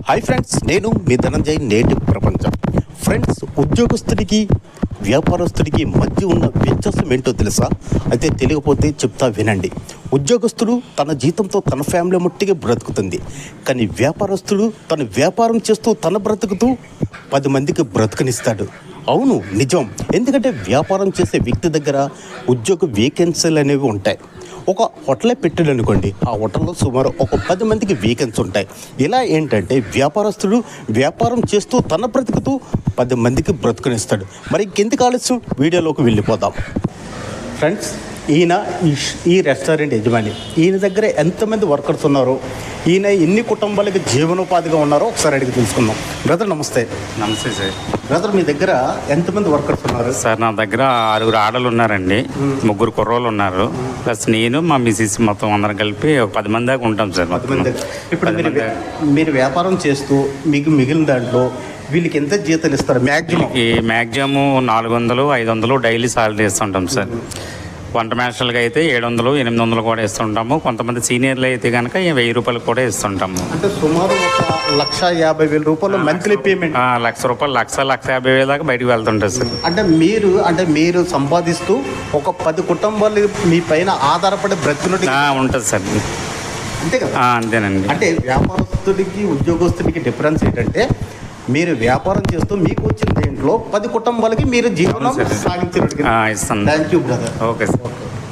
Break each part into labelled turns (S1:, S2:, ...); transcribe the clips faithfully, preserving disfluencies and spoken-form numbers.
S1: Hi friends, నేను మీ ధనంజయ్. నేటి ప్రపంచం. ఫ్రెండ్స్, ఉద్యోగస్తుడికి వ్యాపారస్తుడికి మధ్య ఉన్న వ్యత్యాసం ఏంటో తెలుసా? అయితే తెలియకపోతే చెప్తా వినండి. ఉద్యోగస్తుడు తన జీతంతో తన ఫ్యామిలీ మట్టిగా బ్రతుకుతుంది, కానీ వ్యాపారస్తుడు తన వ్యాపారం చేస్తూ తన బ్రతుకుతూ పది మందికి బ్రతుకునిస్తాడు. అవును, నిజం. ఎందుకంటే వ్యాపారం చేసే వ్యక్తి దగ్గర ఉద్యోగ వేకెన్సీలు అనేవి ఉంటాయి. ఒక హోటలే పెట్టాడు అనుకోండి, ఆ హోటల్లో సుమారు ఒక పది మందికి వేకెన్సీ ఉంటాయి. ఇలా ఏంటంటే వ్యాపారస్తుడు వ్యాపారం చేస్తూ తన బ్రతుకుతూ పది మందికి బ్రతుకునిస్తాడు. మరి ఇంకెందుకు ఆలస్యం, వీడియోలోకి వెళ్ళిపోదాం. ఫ్రెండ్స్, ఈయన ఈ రెస్టారెంట్ యజమాని. ఈయన దగ్గర ఎంతమంది వర్కర్స్ ఉన్నారో, ఈయన ఎన్ని కుటుంబాలకి జీవనోపాధిగా ఉన్నారో ఒకసారి అడిగి తెలుసుకుందాం. బ్రదర్ నమస్తే.
S2: నమస్తే సార్.
S1: బ్రదర్, మీ దగ్గర ఎంతమంది వర్కర్స్ ఉన్నారు?
S2: సార్ నా దగ్గర ఆరుగురు ఆడలు ఉన్నారండి, ముగ్గురు కుర్రోళ్ళు ఉన్నారు, ప్లస్ నేను మా మిసిస్ మొత్తం అందరం కలిపి ఒక పది మంది దాకా ఉంటాం సార్.
S1: పది మంది. ఇప్పుడు మీరు మీరు వ్యాపారం చేస్తూ మీకు మిగిలిన దాంట్లో వీళ్ళకి ఎంత జీతాలు ఇస్తారు? మ్యాక్సిమం
S2: ఈ మ్యాక్సిమం నాలుగు వందలు ఐదు వందలు డైలీ సాలరీ ఇస్తుంటాం సార్. వంట మాస్టర్లకి అయితే ఏడు వందలు ఎనిమిది వందలు కూడా ఇస్తుంటాము. కొంతమంది సీనియర్లు అయితే కనుక వెయ్యి రూపాయలు కూడా ఇస్తుంటాము.
S1: అంటే సుమారు ఒక లక్ష యాభై వేల రూపాయలు మంత్లీ పేమెంట్.
S2: లక్ష రూపాయలు లక్ష లక్ష యాభై వేల దాకా బయటకు వెళ్తుంటారు సార్.
S1: అంటే మీరు అంటే మీరు సంపాదిస్తూ ఒక పది కుటుంబాలు మీ పైన ఆధారపడి బ్రతుకున్నట్టు
S2: ఉంటుంది సార్.
S1: అంతే కదా?
S2: అంతేనండి.
S1: అంటే వ్యాపారస్తుడికి ఉద్యోగస్తుడికి డిఫరెన్స్ ఏంటంటే, మీరు వ్యాపారం చేస్తూ మీకు వచ్చిన దేంట్లో పది కుటుంబాలకి మీరు జీవనం సాగించినట్టు.
S2: ఇస్తాను.
S1: Thank you brother.
S2: Okay sir.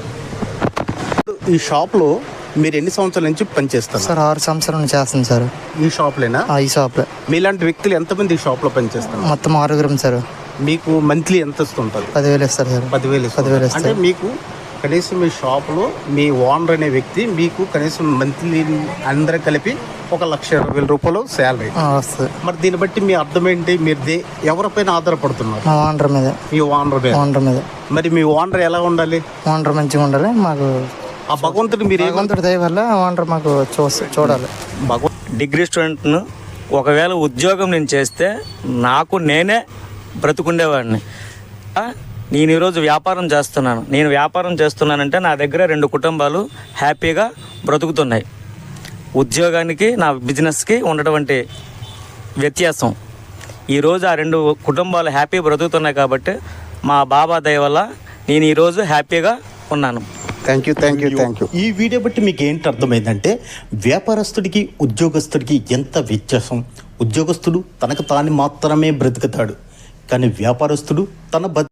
S1: ఈ షాప్లో మీరు ఎన్ని సంవత్సరాల నుంచి పనిచేస్తారు?
S3: సార్ ఆరు సంవత్సరాల నుంచి చేస్తాను సార్.
S1: ఈ షాప్లేనా?
S3: ఈ షాప్లో.
S1: మీలాంటి వ్యక్తులు ఎంతమంది ఈ షాప్లో పనిచేస్తారు?
S3: మొత్తం ఆరుగురం సార్.
S1: మీకు మంత్లీ ఎంత వస్తుంటుంది?
S3: పదివేలు ఇస్తారు సార్.
S1: పదివేలు
S3: పదివేలు
S1: అంటే
S3: ఇస్తారు.
S1: మీకు కనీసం మీ షాప్లో మీ ఓనర్ అనే వ్యక్తి మీకు కనీసం మంత్లీ అందరూ కలిపి ఒక లక్ష ఇరవై వేల రూపాయలు శాలరీ
S3: వస్తుంది.
S1: మరి దీన్ని బట్టి మీ అర్థం ఏంటి? మీరు దే ఎవరిపైన ఆధారపడుతున్నారు?
S3: మా ఓనర్ మీద.
S1: మీ ఓనర్ మీద.
S3: ఓనర్ మీద.
S1: మరి మీ ఓనర్ ఎలా ఉండాలి?
S3: ఓనర్ మంచిగా ఉండాలి. మాకు
S1: ఆ భగవంతుడు మీరు
S3: భగవంతుడి దయ వల్ల ఓనర్ మాకు చూ చూడాలి.
S1: భగవంతు
S4: డిగ్రీ స్టూడెంట్ను ఒకవేళ ఉద్యోగం నేను చేస్తే నాకు నేనే బ్రతుకుండేవాడిని. నేను ఈరోజు వ్యాపారం చేస్తున్నాను. నేను వ్యాపారం చేస్తున్నానంటే నా దగ్గర రెండు కుటుంబాలు హ్యాపీగా బ్రతుకుతున్నాయి. ఉద్యోగానికి నా బిజినెస్కి ఉన్నటువంటి వ్యత్యాసం ఈరోజు ఆ రెండు కుటుంబాలు హ్యాపీ బ్రతుకుతున్నాయి కాబట్టి మా బాబా దయ వల్ల నేను ఈరోజు హ్యాపీగా ఉన్నాను.
S1: Thank you thank you thank you ఈ వీడియో బట్టి మీకు ఏంటి అర్థమైందంటే, వ్యాపారస్తుడికి ఉద్యోగస్తుడికి ఎంత వ్యత్యాసం. ఉద్యోగస్తుడు తనకు తాను మాత్రమే బ్రతుకుతాడు, కానీ వ్యాపారస్తుడు తన